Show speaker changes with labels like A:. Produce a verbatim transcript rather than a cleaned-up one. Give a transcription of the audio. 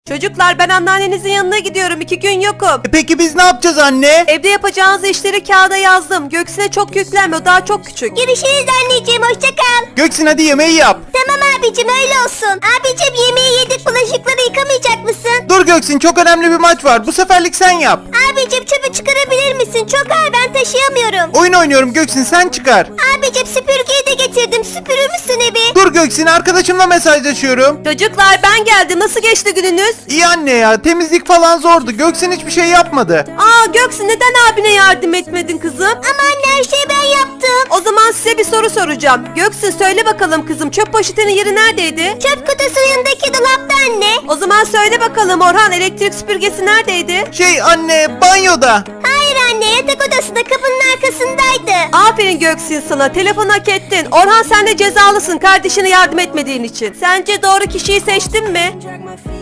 A: Çocuklar ben anneannenizin yanına gidiyorum. iki gün yokum.
B: E peki biz ne yapacağız anne?
A: Evde yapacağınız işleri kağıda yazdım. Göksin'e çok yüklenme, o daha çok küçük.
C: Görüşürüz anneciğim, hoşça kal.
B: Göksin hadi yemeği yap.
C: Tamam abicim, öyle olsun. Abicim yemeği yedik, bulaşıkları yıkamayacak mısın?
B: Dur Göksin, çok önemli bir maç var. Bu seferlik sen yap.
C: Abicim çöpü çıkarabilir misin? Çok ağır, ben taşıyamıyorum.
B: Oyun oynuyorum Göksin, sen çıkar.
C: Abicim süpürgeyi de getirdim. Süpürür müsün evi?
B: Dur Göksin, arkadaşımla mesajlaşıyorum.
A: Çocuklar ben geldim. Nasıl geçti gününüz?
B: İyi anne ya, temizlik falan zordu. Göksin hiçbir şey yapmadı.
A: Aa Göksin, neden abine yardım etmedin kızım?
C: Ama anne, her şeyi ben yaptım.
A: O zaman size bir soru soracağım. Göksin söyle bakalım kızım, çöp poşetinin yeri neredeydi?
C: Çöp kutusu yanındaki dolapta anne.
A: O zaman söyle bakalım Orhan, elektrik süpürgesi neredeydi?
B: Şey anne, banyoda.
C: Hayır anne, yatak odasında kapının arkasındaydı.
A: Aferin Göksin sana, telefon hak ettin. Orhan sen de cezalısın kardeşine yardım etmediğin için. Sence doğru kişiyi seçtin mi?